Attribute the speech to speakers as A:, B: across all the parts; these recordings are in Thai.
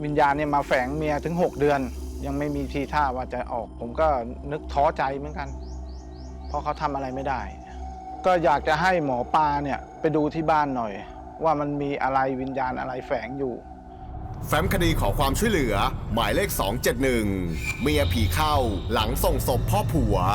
A: วิญญาณเนี่ยมาแฝงเมียถึง6 เดือนยังไม่มีทีท่าว่าจะออกผมก็นึกท้อใจเหมือนกันเพราะเขาทำอะไรไม่ได้ก็อยากจะให้หมอปลาเนี่ยไปดูที่บ้านหน่อยว่ามันมีอะไรวิญญาณอะไรแฝงอยู่
B: แฟ้มคดีขอความช่วยเหลือหมายเลข 271 เมียผีเข้าหลังส่งศพพ่อผัว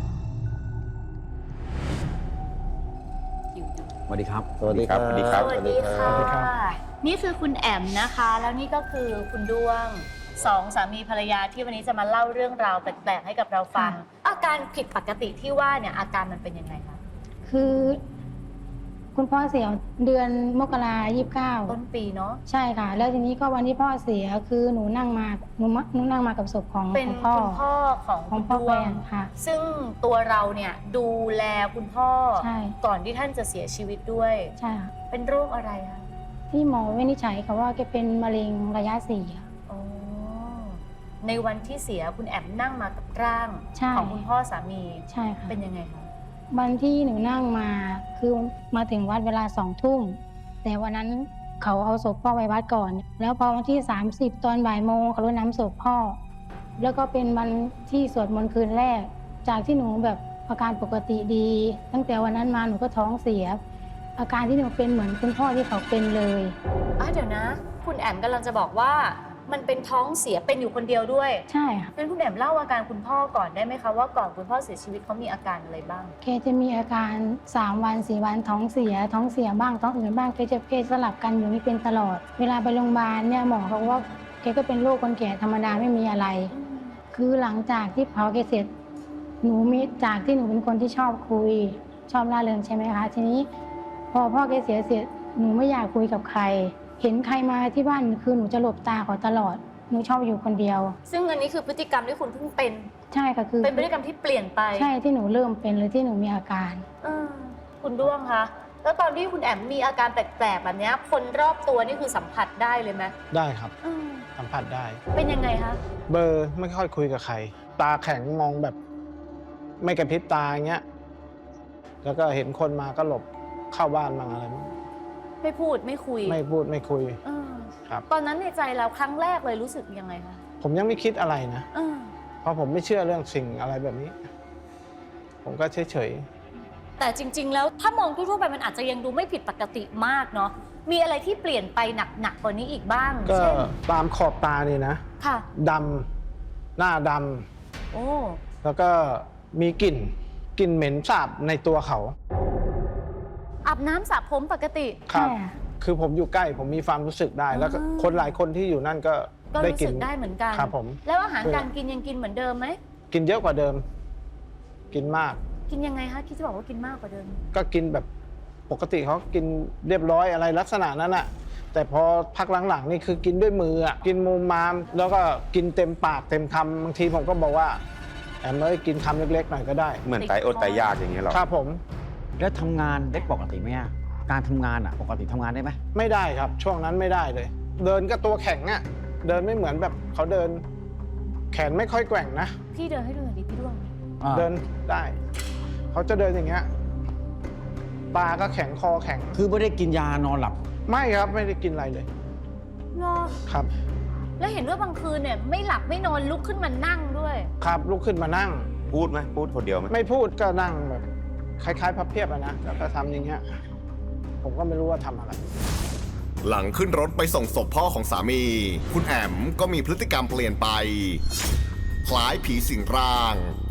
C: สวัสดีครับ
D: สวัสดีครับ
E: สวัสดีค่ะ
A: สวัสดีครับ
E: นี่คือคุณแอมนะคะ แล้วนี่ก็คือคุณด้วงสองสามีภรรยาที่วันนี้จะมาเล่าเรื่องราวแปลกๆให้กับเราฟัง อาการผิดปกติที่ว่าเนี่ยอาการมันเป็นยังไงคะ
F: คือคุณพ่อเสียเดือนมกรา
E: ต้นปีเนาะ
F: 29ใช่ค่ะ แล้วทีนี้ก็วันที่พ่อเสียคือหนูนั่งมากับศพของ
E: เป็น
F: พ่อ
E: คุณพ่อของ
F: ของ
E: คุณ
F: พ่อ
E: ด้
F: แฟ
E: วง
F: นค่ะ
E: ซึ่งตัวเราเนี่ยดูแลคุณพ่อ
F: ใช่
E: ก่อนที่ท่านจะเสียชีวิตด้วย
F: ใช่ค่ะ
E: เป็นโรคอะไรคะ
F: ที่หมอวินิจฉัยเขาว่าแกเป็นมะเร็งระยะ4ค่ะ
E: อ๋อในวันที่เสียคุณแอมนั่งมากับร่าง
F: ใช่
E: ของคุณพ่อสามี
F: ใช่ค่ะ
E: เป็นยังไงคะ
F: วันที่หนูนั่งมาคือมาถึงวัดเวลา2 ทุ่มแต่วันนั้นเขาเอาศพพ่อไปวัดก่อน แล้วพอวันที่30ตอนบ่ายโมงเขารดน้ำศพพ่อ แล้วก็เป็นวันที่สวดมนต์คืนแรก จากที่หนูแบบอาการปกติดี ตั้งแต่วันนั้นมาหนูก็ท้องเสีย อาการที่หนูเป็นเหมือนคุณพ่อที่เขาเป็นเลย
E: เดี๋ยวนะ คุณแอมกำลังจะบอกว่ามันเป็นท้องเสียเป็นอยู่คนเดียวด้วย
F: ใช่ค่ะ
E: งั้นคุณแอมเล่าอาการคุณพ่อก่อนได้ไหมคะว่าก่อนคุณพ่อเสียชีวิตเขามีอาการอะไรบ้าง
F: แกจะมีอาการ3 วัน 4 วันท้องเสียบ้างท้องอืดบ้างแกสลับกันอยู่นี่เป็นตลอด เวลาไปโรงพยาบาลเนี่ยหมอเขาว่าแกก็เป็นโรคคนแก่ธรรมดาไม่มีอะไร คือหลังจากที่เผาแกเสร็จหนูมีจากที่หนูเป็นคนที่ชอบคุยชอบร่าเริงใช่ไหมคะทีนี้พอพ่อแกเสียเสร็จหนูไม่อยากคุยกับใคร เห็นใครมาที่บ้านคือหนูจะหลบตาเขาตลอดหนูชอบอยู่คนเดียว
E: ซึ่งอันนี้คือพฤติกรรมที่คุณเพิ่งเป็น
F: ใช่ค่ะคือ
E: เป็นพฤติกรรมที่เปลี่ยนไป
F: ใช่ที่หนูเริ่มเป็นหรือที่หนูมีอาการ
E: เออคุณด้วงคะแล้วตอนที่คุณแอมมีอาการแปลกๆแบบเนี้ยคนรอบตัวนี่คือสัมผัสได้เลยไหม
A: ได้ครับ
E: อืม
A: สัมผัสได้
E: เป็นยังไงคะ
A: เบอร์ไม่ค่อยคุยกับใคร ตาแข็งมองแบบ ไม่กระพริบตาอย่างเงี้ยแล้วก็เห็นคนมาก็หลบเข้าบ้านบ้างอะไรบ้าง
E: ไม่พูดไม่คุย
A: ไม่พูดไม่คุย
E: เออ
A: ครับ
E: ตอนนั้นในใจเราครั้งแรกเลยรู้สึกยังไงคะ
A: ผมยังไม่คิดอะไรนะ
E: เออ
A: เพราะผมไม่เชื่อเรื่องสิ่งอะไรแบบนี้ ผมก็เฉย
E: แต่จริง ๆ แล้วถ้ามองทั่วๆไปมันอาจจะยังดูไม่ผิดปกติมากเนาะมีอะไรที่เปลี่ยนไปหนักกว่านี้อีกบ้าง
A: ๆก็
E: เช่น
A: ตามขอบตานี่นะ
E: ค่ะ
A: ดำหน้าด
E: โอ้
A: ำแล้วก็มีกลิ่นเหม็นสาบในตัวเขา
E: อาบน้ำสระผมปกติ
A: ครับ
F: ใช่ค่ะ
A: คือผมอยู่ใกล้ผมมีความรู้สึกได้ แล้วก็
E: อ่า
A: คนหลายคนที่อยู่นั่นก็
E: ก็
A: ได้
E: รู้
A: กิ
E: สึ
A: น
E: กได้เหมือนกัน
A: ครับผม
E: แล้วอาหารการกินยังกินเหมือนเดิมไหม
A: กินเยอะกว่าเดิม กินมาก
E: กินยังไงคะคิดจะบอกว่ากินมากกว่าเดิม
A: ก็กินแบบปกติเขากินเรียบร้อยอะไรลักษณะนั้นอะแต่พอพักหลังๆนี่คือกินด้วยมืออะกินมุมมามแล้วก็กินเต็มปากเต็มคำบางทีผมก็บอกว่าแอมเอ้ยกินคำเล็กๆหน่อยก็ได้
D: เหมือนไตอดไตยากอย่างเงี้ยหรอ
A: ครับผม
C: แล้วทำงานได้ปกติไหมอะการทำงานอะปกติทำงานได้ไหม
A: ไม่ได้ครับ ช่วงนั้นไม่ได้เลย เดินก็ตัวแข็งอะเดินไม่เหมือนแบบเขาเดิน แขนไม่ค่อยแกว่งนะ
E: พี่เดินให้ดูหน่อยดิพี่ด้วง
A: เดินได้ เขาจะเดินอย่างเงี้ยตาก็แข็งคอแข็ง
C: คือไม่ได้กินยานอนหลับ
A: ไม่ครับไม่ได้กินอะไรเลย
E: เนาะ
A: ครับ
E: แล้วเห็นว่าบางคืนเนี่ยไม่หลับไม่นอนลุกขึ้นมานั่งด้วย
A: ครับลุกขึ้นมานั่ง
D: พูดไหมพูดคนเดียวไหม
A: ไม่พูดก็นั่งแบบคล้ายๆพับเพียบอะนะแล้วก็ทำอย่างเงี้ยผมก็ไม่รู้ว่าทำอะไร
B: หลังขึ้นรถไปส่งศพพ่อของสามี คุณแอมก็มีพฤติกรรมเปลี่ยนไป คล้ายผีสิงร่าง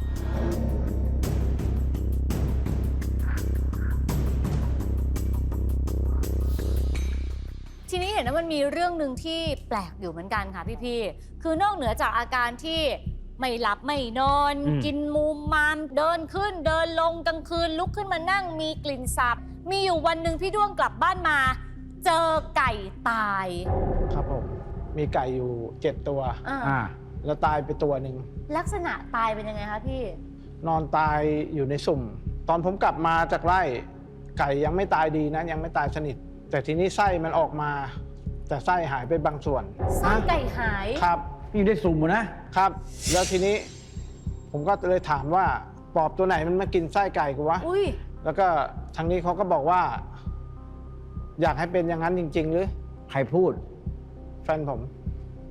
E: ทีนี้เห็นว่ามันมีเรื่องหนึ่งที่แปลกอยู่เหมือนกันค่ะพี่ๆคือนอกเหนือจากอาการที่ไม่หลับไม่นอน กินมูมมามเดินขึ้นเดินลงกลางคืนลุกขึ้นมานั่งมีกลิ่นสาบมีอยู่วันหนึ่งพี่ด้วงกลับบ้านมา เจอไก่ตาย
A: ครับผมมีไก่อยู่7 ตัว
C: อ่า
A: แล้วตายไปตัวหนึ่ง
E: ลักษณะตายเป็นยังไงคะพี่
A: นอนตายอยู่ในสุ่ม ตอนผมกลับมาจากไร่ไก่ยังไม่ตายดีนะยังไม่ตายสนิท แต่ทีนี้ไส้มันออกมา แต่ไส้หายไปบางส่วน
E: ไส้ไก่หาย
A: ครับ
C: อยู่ในสุ่มอะนะ
A: ครับ แล้วทีนี้ผมก็เลยถามว่าปอบตัวไหนมันมากินไส้ไก่กูวะ
E: อุ้ย
A: แล้วก็ทางนี้เขาก็บอกว่า อยากให้เป็นอย่างนั้นจริง ๆ หรือ
C: ใครพูด
A: แฟนผม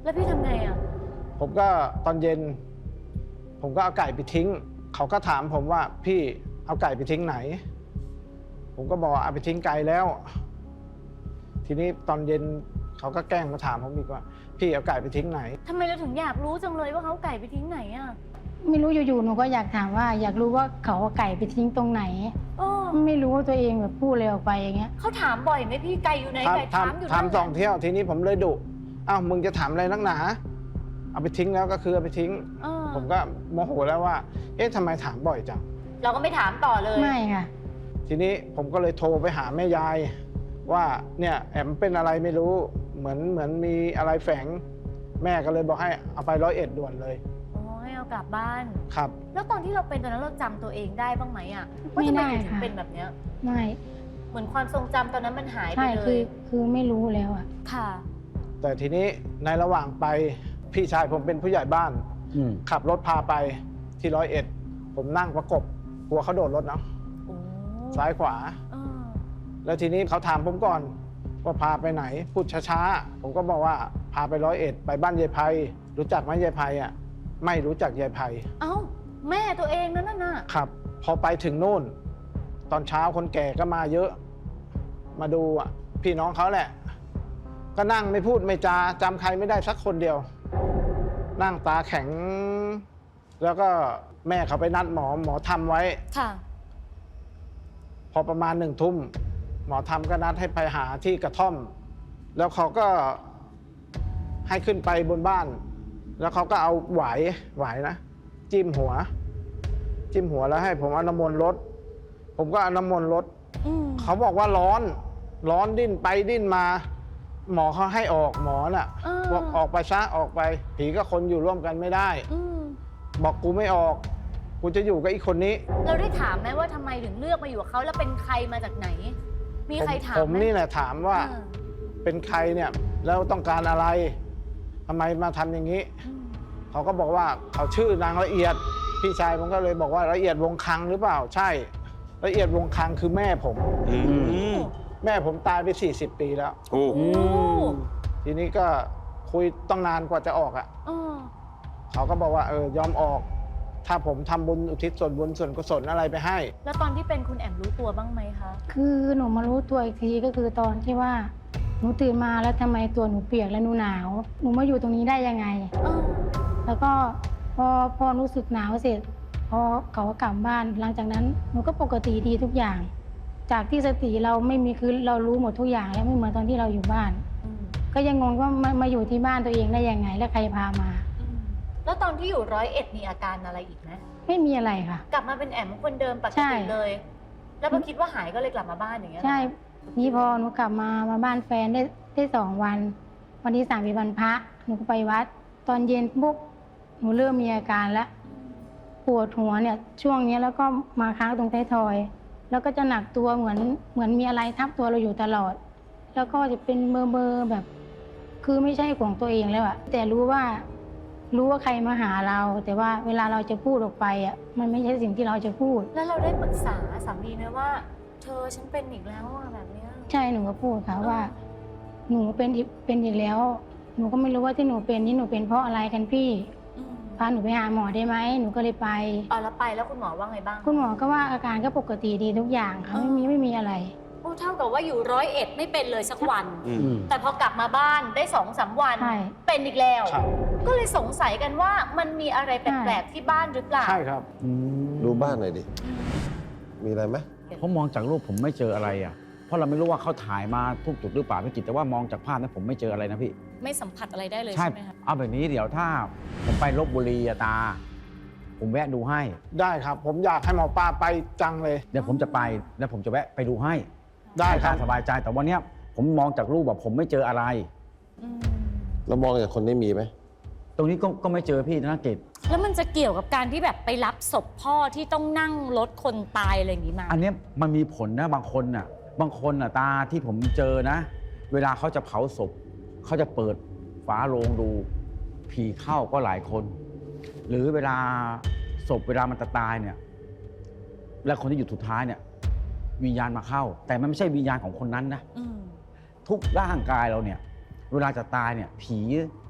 E: แล้วพี่ทำไงอ่ะ
A: ผมก็ตอนเย็น ผมก็เอาไก่ไปทิ้ง เขาก็ถามผมว่าพี่เอาไก่ไปทิ้งไหน ผมก็บอกเอาไปทิ้งไกลแล้ว ทีนี้ตอนเย็นเขาก็แกล้งมาถามผมอีกว่า พี่เอาไก่ไปทิ้งไหน
E: ทำไมเราถึงอยากรู้จังเลยว่าเขาเอาไก่ไปทิ้งไหนอ่ะ
F: ไม่รู้อยู่ๆหนูก็อยากถามว่าอยากรู้ว่าเขาเอาไก่ไปทิ้งตรงไหน
E: โอ้
F: ไม่รู้ว่าตัวเองแบบพูดเลยออกไปอย่างเงี้ย
E: เขาถามบ่อยไหมพี่ไก่อยู่ไหนไก่ถามอยู่
A: ถาม
E: นั่น
A: สองเที่ยวทีนี้ผมเลยดุอ้าวมึงจะถามอะไรนักหนาเอาไปทิ้งแล้วก็คือเอาไปทิ้ง
E: เออ
A: ผมก็โมโหแล้วว่า เอ๊ะทำไมถามบ่อยจัง
E: เราก็ไม่ถามต่อเลย
F: ไม่ค่ะ
A: ทีนี้ผมก็เลยโทรไปหาแม่ยาย ว่าเนี่ยแอมเป็นอะไรไม่รู้เหมือนมีอะไรแฝง แม่ก็เลยบอกให้เอาไป101ด่วนเลย
E: โอ้ให้เอากลับบ้าน
A: ครับ
E: แล้วตอนที่เราเป็นตอนนั้นเราจำตัวเองได้บ้างไหมอ่ะว่า
F: ไม่
E: ทำไม
F: ได้
E: เราถึง
F: ค่ะ
E: เป็นแบบเนี้ย
F: ไม่
E: เหมือนความทรงจำตอนนั้นมันหายไป
F: ใช่
E: เลย
F: คือไม่รู้แล้วอะ
E: ค่ะ
A: แต่ทีนี้ในระหว่างไปพี่ชายผมเป็นผู้ใหญ่บ้าน
C: อืม
A: ขับรถพาไปที่101ผมนั่งประกบกลัวเขาโดดรถเนาะ
E: โอ้
A: ซ้ายขวา
E: เออ
A: แล้วทีนี้เขาถามผมก่อนว่าพาไปไหนพูดช้าๆผมก็บอกว่าพาไป101ไปบ้านยายไพรู้จักไหมยายไพอ่ะไม่รู้จักยายไพ
E: เอ้าแม่ตัวเองนั่นน่ะ
A: ครับ พอไปถึงนู่น ตอนเช้าคนแก่ก็มาเยอะ มาดูอ่ะพี่น้องเขาแหละ ก็นั่งไม่พูดไม่จาจำใครไม่ได้สักคนเดียว นั่งตาแข็ง แล้วก็แม่เขาไปนัดหมอทำไว้
E: ค่ะ
A: พอประมาณ1 ทุ่มหมอทำก็นัดให้ไปหาที่กระท่อม แล้วเขาก็ให้ขึ้นไปบนบ้าน แล้วเขาก็เอาหวายนะจิ้มหัวแล้วให้ผมเอาน้ำมนต์รดผมก็เอาน้ำมนต์รด
E: อืม
A: เขาบอกว่าร้อนดิ้นไปดิ้นมา หมอเขาให้ออกหมอน่ะ
E: เออ
A: บอกออกไปซะออกไปผีกับคนอยู่ร่วมกันไม่ได้
E: อืม
A: บอกกูไม่ออก กูจะอยู่กับอีกคนนี้
E: เราได้ถามไหมว่าทำไมถึงเลือกมาอยู่กับเขาแล้วเป็นใครมาจากไหน มีใครถาม
A: ผม
E: ไหม
A: นี่แหละถามว่า
E: เออ
A: เป็นใครเนี่ยแล้วต้องการอะไรทำไมมาทำอย่างนี้
E: อืม
A: เขาก็บอกว่าเขาชื่อนางละเอียด พี่ชายผมก็เลยบอกว่าละเอียดวงคังหรือเปล่าใช่ ละเอียดวงคังคือแม่ผม แม่ผมตายไป40 ปีแล้ว
D: โอ้
E: โอ้
A: ทีนี้ก็คุยต้องนานกว่าจะออกอ่ะ
E: เออ
A: เขาก็บอกว่ายอมออก ถ้าผมทำบุญอุทิศส่วนบุญส่วนกุศลอะไรไปให้
E: แล้วตอนที่เป็นคุณแอมรู้ตัวบ้างไหมคะ
F: คือหนูมารู้ตัวอีกทีก็คือตอนที่ว่าหนูตื่นมาแล้วทำไมตัวหนูเปียกและหนูหนาว หนูมาอยู่ตรงนี้ได้ยังไง
E: เออ
F: แล้วก็พอรู้สึกหนาวเสร็จพอเขาก็กลับบ้าน หลังจากนั้นหนูก็ปกติดีทุกอย่าง จากที่สติเราไม่มีคือเรารู้หมดทุกอย่างแล้วไม่เหมือนตอนที่เราอยู่บ้าน
E: อืม
F: ก็ยังงงว่ามาอยู่ที่บ้านตัวเองได้ยังไง และใครพามา
E: อืมแล้วตอนที่อยู่101มีอาการอะไรอีกไหม
F: ไม่มีอะไรค่ะ
E: กลับมาเป็นแอมคนเดิมปก
F: ใช่
E: ติเลย แล้วพอคิดว่าหายก็เลยกลับมาบ้านอย่างเงี้ยเหรอ
F: ใช่ นี่พอหนูกลับมาบ้านแฟนได้2 วัน วันที่3เป็นวันพระหนูก็ไปวัด ตอนเย็นปุ๊บหนูเริ่มมีอาการแล้วปวดหัวเนี่ยช่วงนี้แล้วก็มาค้างตรงท้ายทอย แล้วก็จะหนักตัวเหมือนมีอะไรทับตัวเราอยู่ตลอด แล้วก็จะเป็นเบอร์แบบ คือไม่ใช่ของตัวเองแล้วอะแต่รู้ว่าใครมาหาเรา แต่ว่าเวลาเราจะพูดออกไปอะมันไม่ใช่สิ่งที่เราจะพูด
E: แล้วเราได้ปรึกษาสามีไหมว่า เธอฉันเป็นอีกแล้วอะแบบเนี้ย
F: ใช่หนูก็พูดค่ะว่า หนูเป็นอีกแล้ว หนูก็ไม่รู้ว่าที่หนูเป็นนี่หนูเป็นเพราะอะไรกันพี่
E: อืม
F: พาหนูไปหาหมอได้ไหมหนูก็เลยไป
E: เอาแล้วไปแล้วคุณหมอว่าไงบ้าง
F: คุณหมอก็ว่าอาการก็ปกติดีทุกอย่างค่ะไม่มีอะไร
E: โอ้เท่ากับว่าอยู่101ไม่เป็นเลยสักวัน
D: อืม
C: อืม
E: แต่พอกลับมาบ้านได้2-3 วัน
F: ใช่
E: เป็นอีกแล้ว
A: ครับ
E: ก็เลยสงสัยกันว่ามันมีอะไรแปลกๆที่บ้านหรือเปล่า
A: ใช่ครับ
G: ดูบ้านหน่อยดิ มีอะไรไหม
C: ผมมองจากรูปผมไม่เจออะไรอ่ะ เพราะเราไม่รู้ว่าเขาถ่ายมาทุกจุดหรือเปล่าพี่กิตแต่ว่ามองจากภาพนั้นผมไม่เจออะไรนะพี่
E: ไม่สัมผัสอะไรได้เลย
C: ใช่
E: ใช่ไหมคะ
C: เอาแบบนี้เดี๋ยวถ้าผมไปลบบุรีอะตา ผมแวะดูให้
A: ได้ครับ ผมอยากให้หมอปลาไปจังเลย
C: เดี๋ยวผมจะไปแล้วผมจะแวะไปดูให้
A: ได้ค
C: ให้
A: รับ
C: ตาสบายใจแต่วันเนี้ยผมมองจากรูปแบบผมไม่เจออะไร
E: อืม
G: เรามองจากคนนี้มีไหม
C: ตรงนี้ก็ไม่เจอพี่ธนกิจ
E: แล้วมันจะเกี่ยวกับการที่แบบไปรับศพพ่อที่ต้องนั่งรถคนตายอะไรอย่างนี้มา
C: อันเนี้ยมันมีผลนะบางคนน่ะตาที่ผมเจอนะ เวลาเขาจะเผาศพเขาจะเปิดฝาโลงดูผีเข้าก็หลายคน หรือเวลาศพเวลามันจะตายเนี่ยและคนที่อยู่สุดท้ายเนี่ยวิญญาณมาเข้า แต่มันไม่ใช่วิญญาณของคนนั้นนะ
E: อืม
C: ทุกร่างกายเราเนี่ยเวลาจะตายเนี่ยผี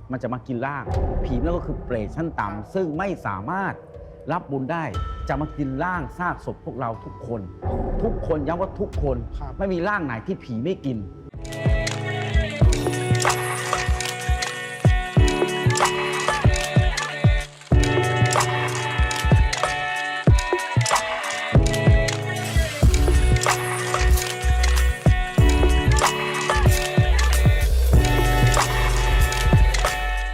C: มันจะมากินร่าง ผีนั่นก็คือเปรตชั้นต่ำซึ่งไม่สามารถรับบุญได้จะมากินร่างซากศพพวกเราทุกคน ทุกคนย้ำว่าทุกคน
A: ครับ
C: ไม่มีร่างไหนที่ผีไม่กิน
E: ค